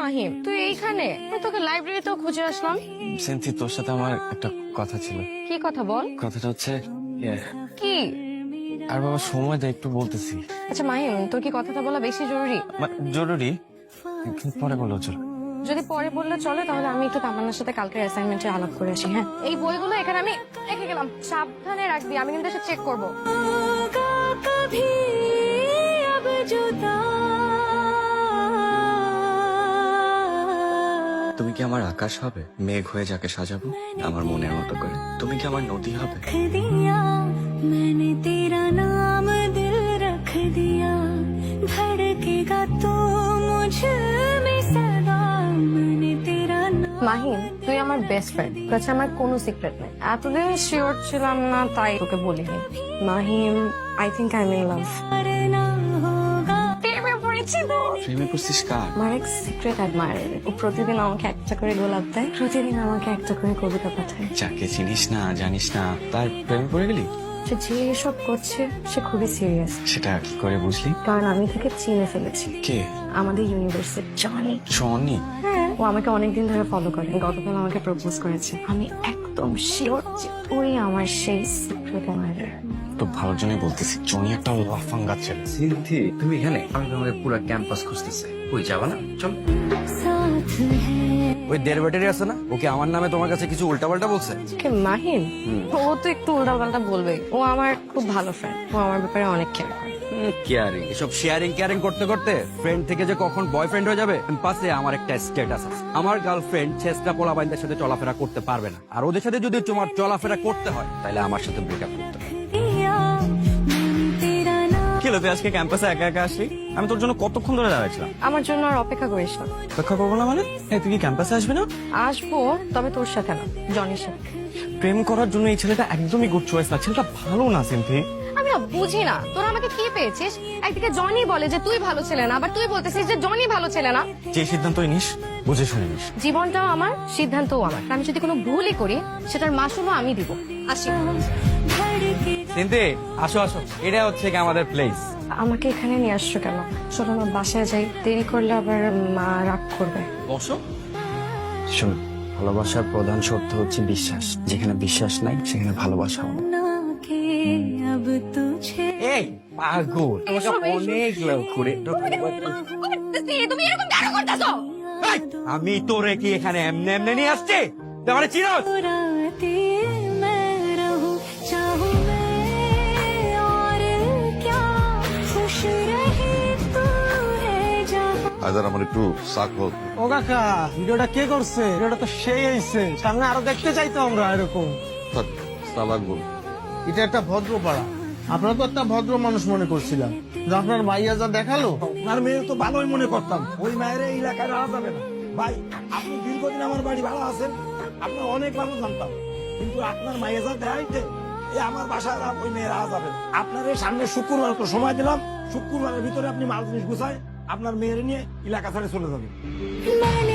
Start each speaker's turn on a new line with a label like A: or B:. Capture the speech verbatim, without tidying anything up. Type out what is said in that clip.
A: মাহিম, তুই এইখানে? আমি তোকে লাইব্রেরিতেও খুঁজে আসলাম।
B: সেন্থি, তোর সাথে আমার একটা কথা ছিল।
A: কি কথা বল?
B: কথাটা হচ্ছে ইয়ে,
A: কি?
B: আর বাবা সময় দে, একটু বলতেছি।
A: আচ্ছা মাহিম, তোর কি কথাটা বলা বেশি জরুরি?
B: মানে জরুরি, কিন্তু পরে বললো চল।
A: যদি পরে বললে চলে, তাহলে আমি একটু তামান্নার সাথে কালকের অ্যাসাইনমেন্টে আলাপ করে আসি। হ্যাঁ, এই বইগুলো এখানে আমি রেখে গেলাম, সাবধানে রাখবি, আমি কিন্তু এসে চেক করবো।
B: তুমি কি আমার আকাশ হবে, মেঘ হয়ে যাকে সাজাবো আমার মনের মতো করে? তুমি কি আমার নদী হবে?
C: मैंने तेरा नाम दिल रख दिया धड़केगा तो मुझ में सदा मैंने तेरा
A: মাহিম, তুই আমার বেস্ট ফ্রেন্ড, কাছে আমার কোনো সিক্রেট নেই। এতদিন শিওর ছিলাম না, তাই তোকে বলিনি। Mahim, I think I am in love.
C: ना होगा
A: প্রেমে পড়েছি তো।
B: প্রেমে পড়ছিস কার?
A: আমার এক সিক্রেট অ্যাডমায়ার, ও প্রতিদিন আমাকে একটা করে গোলাপ দেয়, প্রতিদিন আমাকে একটা করে কবিতা পাঠায়।
B: যাকে চিনিস না জানিস না তার প্রেমে পড়ে গেলি?
A: সে যে এসব করছে সে খুবই সিরিয়াস।
B: সেটা কি করে বুঝলি?
A: কারণ আমি তাকে চিনে ফেলেছি।
B: কে?
A: আমাদের ইউনিভার্সিটি জনি।
B: জনি?
A: হ্যাঁ, ও আমাকে অনেকদিন ধরে ফলো করে, গতকাল আমাকে প্রপোজ করেছে। আমি একদম শিওর যে ওই আমার সেই সিক্রেট অ্যাডমায়ার।
B: তো ভালোর জন্যই বলতেছি, জনি একটা লাফাঙ্গা ছেলে।
D: সিনথি, তুমি এখানে? আমি তোমাকে পুরো ক্যাম্পাস খুঁজতেছি। কই যাবা না? চল।
C: साथ है
D: ওই দেড় ব্যাটারি আছে না, ওকে আমার নামে তোমার কাছে কিছু উল্টাপাল্টা বলছে?
A: কে মাহিম? ও তো একটু উল্টাপাল্টা বলবে। ও আমার খুব ভালো ফ্রেন্ড, ও আমার ব্যাপারে অনেক কেয়ার করে।
D: কেয়ারিং, এসব শেয়ারিং কেয়ারিং করতে করতে ফ্রেন্ড থেকে যে কখন বয়ফ্রেন্ড হয়ে যাবে। পাশে আমার একটা স্ট্যাটাস আছে, আমার গার্লফ্রেন্ড ছেসরা পোলাবাইনদের সাথে চলাফেরা করতে পারবে না, আর ওদের সাথে যদি তোমার চলাফেরা করতে হয় তাহলে আমার সাথে ব্রেকআপ করতে হবে।
C: दिया मैंने तेरा नाम
B: কি হলো, তুই আজকে ক্যাম্পাসে একা একা আসলি? আমি তোর জন্য কতক্ষণ ধরে দাঁড়াইছিলাম।
A: আমার জন্য আর অপেক্ষা করিস না।
B: অপেক্ষা করবো না মানে? এই, তুই কি ক্যাম্পাসে আসবি না?
A: আসবো, তবে তোর সাথে না, জনির সাথে।
B: প্রেম করার জন্য এই ছেলেটা একদমই গুড চয়েস না, ছেলেটা ভালো না সিনথি।
A: আমি না বুঝি না, তোরা আমাকে কি পেয়েছিস? একদিকে জনি বলে যে তুই ভালো ছেলে না, আবার তুই বলতেছিস যে জনি ভালো ছেলে না।
B: যে সিদ্ধান্তই নিস বুঝে শুনে নিস।
A: জীবনটাও আমার, সিদ্ধান্তও আমার। আমি যদি কোনো ভুলই করি সেটার মাসুলও আমি দিব। আসি।
C: धड़के
D: সিনথি, আসো আসো, এটা হচ্ছে কি আমাদের প্লেস।
A: আমাকে এখানে নিয়ে আসছো কেন? চলো না বাসায় যাই, দেরি করলে আবার মা রাগ করবে।
D: বসো।
B: শোন, ভালোবাসার প্রধান শর্ত হচ্ছে বিশ্বাস। যেখানে বিশ্বাস নাই সেখানে ভালোবাসা হবে না।
C: ना के अब तुझे
D: এই পাগল, তোমাকে অনেক লাভ করে।
A: তুমি এরকম কেন করতেছো?
D: এই, আমি তোরে কি এখানে এমনি এমনি নিয়ে আসছি? তোমারে চিনোস?
C: राते मैं रहूं चाहूं मैं और क्या खुश रहे तू है जहां
E: আইদার আমার একটু শাক হোক।
F: ও কাকা, ভিডিওটা কে করছে? ভিডিওটা তো সেই হয়েছে, সামনে আরো দেখতে চাইতো আমরা এরকম।
E: থাক, সালাক বল।
F: এটা একটা ভদ্র পাড়া, আপনারা তো একটা ভদ্র মানুষ মনে করছিলাম, যে আপনার মাইয়া যা দেখালো, আর মেয়ে তো ভালোই মনে করতাম। ওই মায়ের এই এলাকায় রাখা যাবে না ভাই। আপনি দীর্ঘদিন আমার বাড়ি ভালো আছেন, আপনার অনেক ভালো জানতাম, কিন্তু আপনার মাইয়া যা দেখাইতে, এই আমার বাসায় আর ওই মেয়ে রাখা যাবে না। আপনার এই সামনে শুক্রবার তো সময় দিলাম, শুক্রবারের ভিতরে আপনি মাল জিনিস গুছায় আপনার মেয়ের নিয়ে এলাকা ছেড়ে চলে যাবেন।
C: मैंने